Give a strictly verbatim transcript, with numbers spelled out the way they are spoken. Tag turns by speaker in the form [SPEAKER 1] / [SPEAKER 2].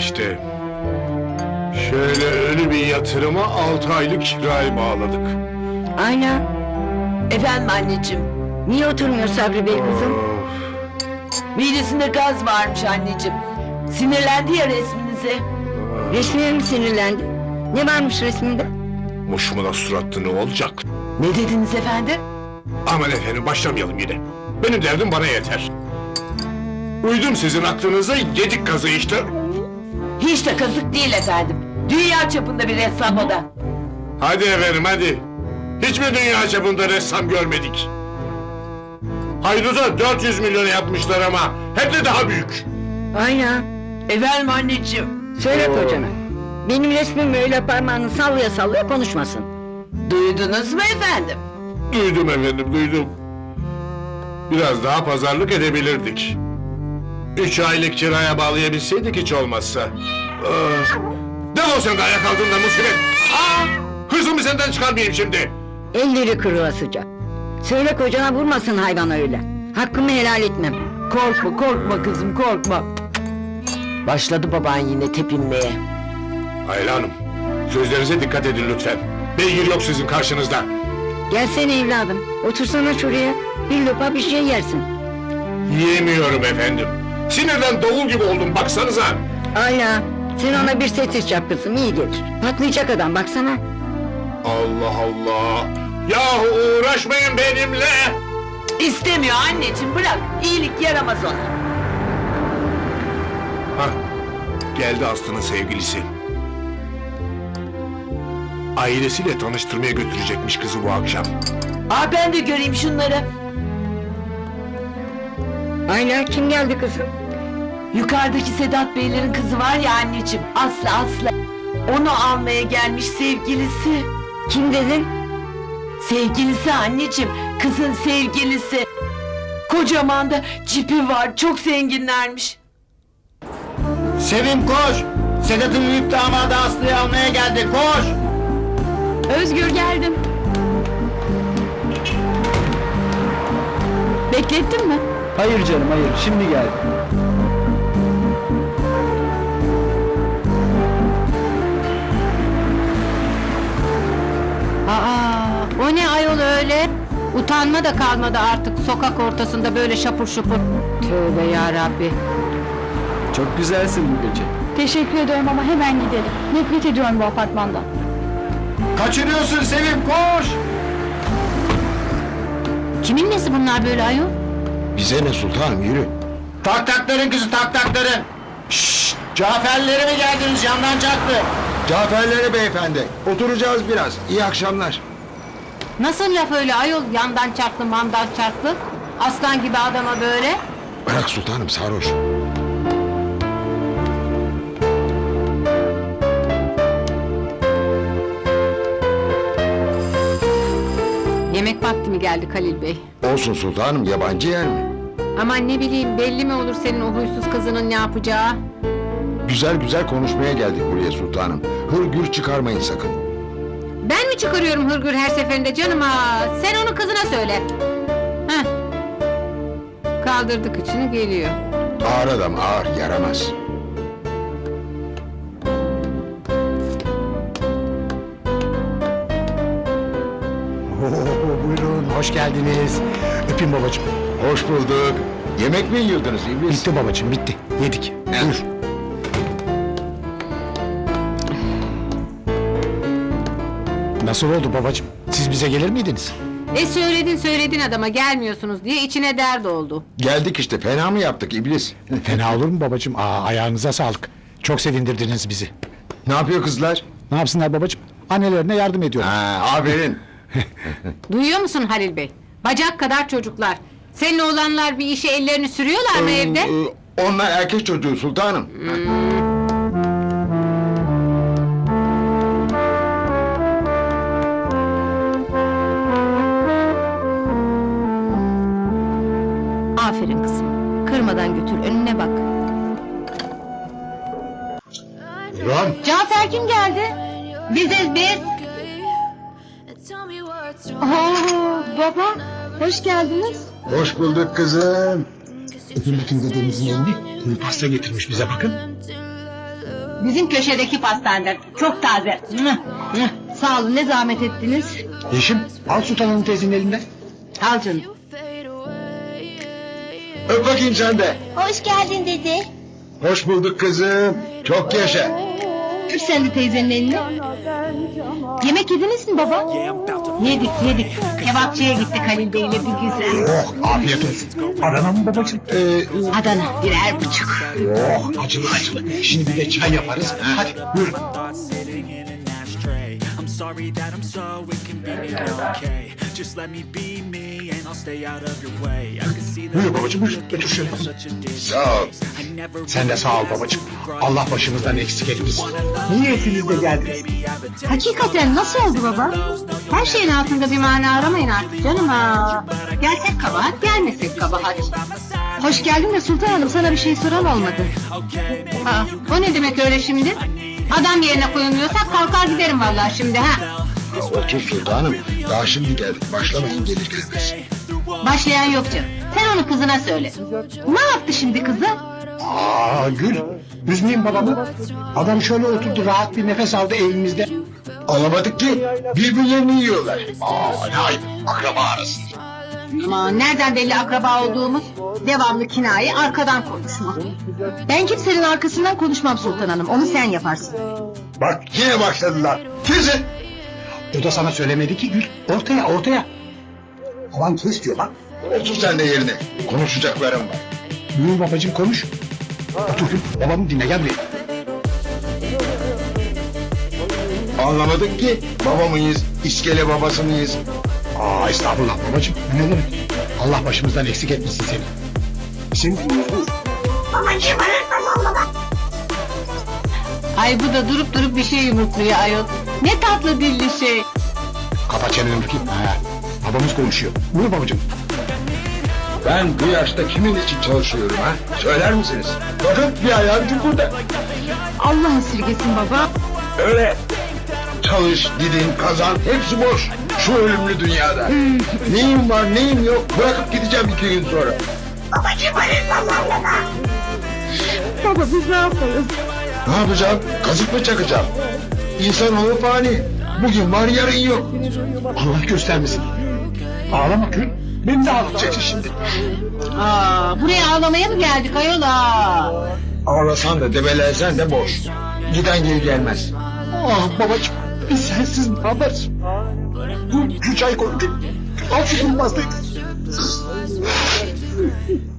[SPEAKER 1] işte. Şöyle ölü bir yatırıma altı aylık kirayı bağladık.
[SPEAKER 2] Aynen.
[SPEAKER 3] Efendim anneciğim.
[SPEAKER 2] Niye oturmuyor Sabri Bey kızım?
[SPEAKER 1] Of.
[SPEAKER 3] Midesinde gaz varmış anneciğim. Sinirlendi ya resminize.
[SPEAKER 2] Resmine mi sinirlendi? Ne varmış resminde?
[SPEAKER 1] Muşmula suratlı ne olacak?
[SPEAKER 3] Ne dediniz efendim?
[SPEAKER 1] Aman efendim başlamayalım yine. Benim derdim bana yeter. Uydum sizin aklınıza, yedik kazı işte.
[SPEAKER 3] Hiç de kazık değil efendim. Dünya çapında bir ressam o da.
[SPEAKER 1] Hadi efendim hadi. Hiç mi dünya çapında ressam görmedik? Haydut'a dört yüz milyon yapmışlar ama hep de daha büyük.
[SPEAKER 2] Aynen.
[SPEAKER 3] Efendim anneciğim.
[SPEAKER 2] Söyle
[SPEAKER 1] Oo.
[SPEAKER 2] kocana. Benim resmim öyle parmağını sallaya sallaya konuşmasın.
[SPEAKER 3] Duydunuz mu efendim?
[SPEAKER 1] Duydum efendim duydum. Biraz daha pazarlık edebilirdik. Üç aylık kiraya bağlayabilseydik hiç olmazsa. Ah. Defol sen de ayak altında musibet. Aa! Hırsımı senden çıkarmayayım şimdi.
[SPEAKER 2] Elleri kırılasıca. Söyle kocana vurmasın hayvan öyle. Hakkımı helal etmem.
[SPEAKER 3] Korkma korkma kızım korkma. Başladı baban yine tepinmeye.
[SPEAKER 1] Ayla Hanım, sözlerinize dikkat edin lütfen. Beygir yok sizin karşınızda.
[SPEAKER 2] Gelsene evladım. Otursana şuraya. Bir lopa bir şey yersin.
[SPEAKER 1] Yiyemiyorum efendim. Sinirden davul gibi oldum baksanıza.
[SPEAKER 2] Aynen. Sen ona bir ses yap kızım, iyi gelir. Patlayacak adam baksana.
[SPEAKER 1] Allah Allah. Yahu uğraşmayın benimle.
[SPEAKER 3] İstemiyor anneciğim bırak. İyilik yaramaz ona.
[SPEAKER 1] Hah, geldi Aslı'nın sevgilisi. Ailesiyle tanıştırmaya götürecekmiş kızı bu akşam.
[SPEAKER 3] Aa ben de göreyim şunları.
[SPEAKER 2] Aynen, kim geldi kızım?
[SPEAKER 3] Yukarıdaki Sedat Beylerin kızı var ya anneciğim. Aslı Aslı. Onu almaya gelmiş sevgilisi.
[SPEAKER 2] Kim dedin?
[SPEAKER 3] Sevgilisi anneciğim. Kızın sevgilisi. Kocaman da cipi var. Çok zenginlermiş.
[SPEAKER 4] Sevim koş! Sedat'ın büyük damadı Aslı'yı almaya geldi, koş!
[SPEAKER 3] Özgür geldim. Beklettin mi?
[SPEAKER 4] Hayır canım, hayır, şimdi geldi.
[SPEAKER 5] Aa, o ne ayol öyle? Utanma da kalmadı artık sokak ortasında böyle şapur şupur. Tövbe ya Rabbi.
[SPEAKER 4] Çok güzelsin bu gece.
[SPEAKER 6] Teşekkür ediyorum ama hemen gidelim. Nefret ediyorum bu apartmandan.
[SPEAKER 4] Kaçırıyorsun Sevim, koş!
[SPEAKER 5] Kimin nesi bunlar böyle ayol?
[SPEAKER 1] Bize ne sultanım yürü.
[SPEAKER 4] Tak takların kızı, tak takların! Şşşt! Caferlere mi geldiniz, yandan çaktı?
[SPEAKER 7] Caferlere beyefendi. Oturacağız biraz. İyi akşamlar.
[SPEAKER 5] Nasıl laf öyle ayol, yandan çarklı mandan çarklı? Aslan gibi adama böyle.
[SPEAKER 7] Bırak sultanım, sarhoş.
[SPEAKER 5] Yemek vakti mi geldi Halil Bey?
[SPEAKER 7] Olsun sultanım, yabancı yer mi?
[SPEAKER 5] Aman ne bileyim, belli mi olur senin o huysuz kızının ne yapacağı?
[SPEAKER 7] Güzel güzel konuşmaya geldik buraya sultanım. Hırgür çıkarmayın sakın.
[SPEAKER 5] Ben mi çıkarıyorum hırgür her seferinde canım ha? Sen onu kızına söyle. Heh. Kaldırdık içini geliyor.
[SPEAKER 7] Ağır adam, ağır, yaramaz.
[SPEAKER 4] Oo, buyurun, hoş geldiniz. Öpeyim babacığım.
[SPEAKER 7] Hoş bulduk. Yemek mi yiyordunuz iblis?
[SPEAKER 4] Bitti babacığım, bitti. Yedik. Buyur. Nasıl oldu babacığım? Siz bize gelir miydiniz?
[SPEAKER 5] E söyledin söyledin adama gelmiyorsunuz diye içine dert oldu.
[SPEAKER 7] Geldik işte, fena mı yaptık iblis?
[SPEAKER 8] Fena olur mu babacığım? Aa, ayağınıza sağlık. Çok sevindirdiniz bizi.
[SPEAKER 7] Ne yapıyor kızlar?
[SPEAKER 8] Ne yapsınlar babacığım? Annelerine yardım ediyorlar.
[SPEAKER 7] Ha, aferin.
[SPEAKER 5] Duyuyor musun Halil Bey? Bacak kadar çocuklar. Senin oğlanlar bir işe ellerini sürüyorlar mı evde?
[SPEAKER 7] Ee, Onlar erkek çocuğu sultanım.
[SPEAKER 5] Aferin kızım. Kırmadan götür önüne bak.
[SPEAKER 7] Ron.
[SPEAKER 5] Cafer kim geldi? Biziz biz.
[SPEAKER 6] Aa, baba, hoş geldiniz.
[SPEAKER 7] Hoş bulduk kızım.
[SPEAKER 8] Öpün bakın dedemizin elini. Kuru pasta getirmiş bize bakın.
[SPEAKER 5] Bizim köşedeki pastaneden. Çok taze. Mıh, mıh. Sağ olun, ne zahmet ettiniz.
[SPEAKER 8] Yeşim al Sultan Hanım teyzenin elinden.
[SPEAKER 5] Al canım.
[SPEAKER 7] Öp bakayım sen de.
[SPEAKER 6] Hoş geldin dede.
[SPEAKER 7] Hoş bulduk kızım. Çok yaşa.
[SPEAKER 5] Öp sen de teyzenin elini. Yemek yediniz mi baba? Yedik yedik. Kebapçıya gittik Halil Bey'le bir güzel.
[SPEAKER 8] Oh afiyet olsun. Adana mı babacığım?
[SPEAKER 7] Ee,
[SPEAKER 5] Adana birer buçuk.
[SPEAKER 8] Oh acılı acılı. Şimdi bir de çay yaparız. Hadi buyurun.
[SPEAKER 9] I'm sorry that I'm so inconvenient, okay? Just let me be me and I'll stay out of your way. I can see that
[SPEAKER 8] Buyur babacığım buyur. Götür şöyle.
[SPEAKER 9] such a distance.
[SPEAKER 7] sağ ol.
[SPEAKER 9] I never
[SPEAKER 8] Sen de sağ ol babacığım. Allah başımızdan eksik etmesin. Niyetiniz de geldiniz.
[SPEAKER 5] Hakikaten nasıl oldu baba? Her şeyin altında bir mana aramayın artık canım ha. Gelsek kabahat, gelmesek kabahat. Hoş geldin de Sultan Hanım, sana bir şey soran olmadı. Aa, o ne demek öyle şimdi? Adam yerine koyulmuyorsak kalkar giderim vallahi şimdi ha.
[SPEAKER 7] Otur sultanım. Daha şimdi geldik. Başlamayın gelir gelmez.
[SPEAKER 5] Başlayan yok canım. Sen onu kızına söyle. Ne yaptı şimdi kızı?
[SPEAKER 8] Aa Gül. Üzmeyin babamı. Adam şöyle oturdu rahat bir nefes aldı evimizde.
[SPEAKER 7] Alamadık ki. Birbirlerini yiyorlar. Aa ne ayıp. Akraba arasında.
[SPEAKER 5] Aman nereden belli akraba olduğumuz? Devamlı kinaye, arkadan konuşma. Ben kimsenin arkasından konuşmam Sultan Hanım. Onu sen yaparsın.
[SPEAKER 7] Bak yine başladılar. Kesin.
[SPEAKER 8] O da sana söylemedi ki Gül. Ortaya ortaya. Aman kes diyor bak.
[SPEAKER 7] Otur sen de yerine. Konuşacaklarım var.
[SPEAKER 8] Buyur babacığım konuş. Otur Gül. Babamı dinle gel buraya.
[SPEAKER 7] Anlamadık ki. Baba mıyız? İskele babası mıyız?
[SPEAKER 8] Aa estağfurullah babacığım. Ne demek? Allah başımızdan eksik etmesin seni. Sen
[SPEAKER 5] Ay bu da durup durup bir şey yumurtluyor ayol. Ne tatlı dilli şey.
[SPEAKER 8] kapa çeneni bakayım. Ha, babamız konuşuyor. Buyur babacığım.
[SPEAKER 7] Ben bu yaşta kimin için çalışıyorum ha? Söyler misiniz? Bakın bir ayağım burada.
[SPEAKER 5] Allah esirgesin baba.
[SPEAKER 7] Öyle. Çalış, gidin, kazan, hepsi boş. Şu ölümlü dünyada. Neyim var, neyim yok, bırakıp gideceğim iki gün sonra.
[SPEAKER 5] Baba biz ne yaparız?
[SPEAKER 7] Ne yapacağım? Kazık mı çakacağım? İnsanoğlu fani. Bugün var, yarın yok.
[SPEAKER 8] Allah göstermesin. Ağlama Gül. Beni de ağlatacaksın şimdi.
[SPEAKER 5] Aa, buraya ağlamaya mı geldik ayol aa?
[SPEAKER 7] Ağlasan da debelensen de boş. Giden geri gelmez.
[SPEAKER 8] Ah babacığım. Biz sensiz ne yaparız? Bu şu çay koy. Al şu bulmazdık.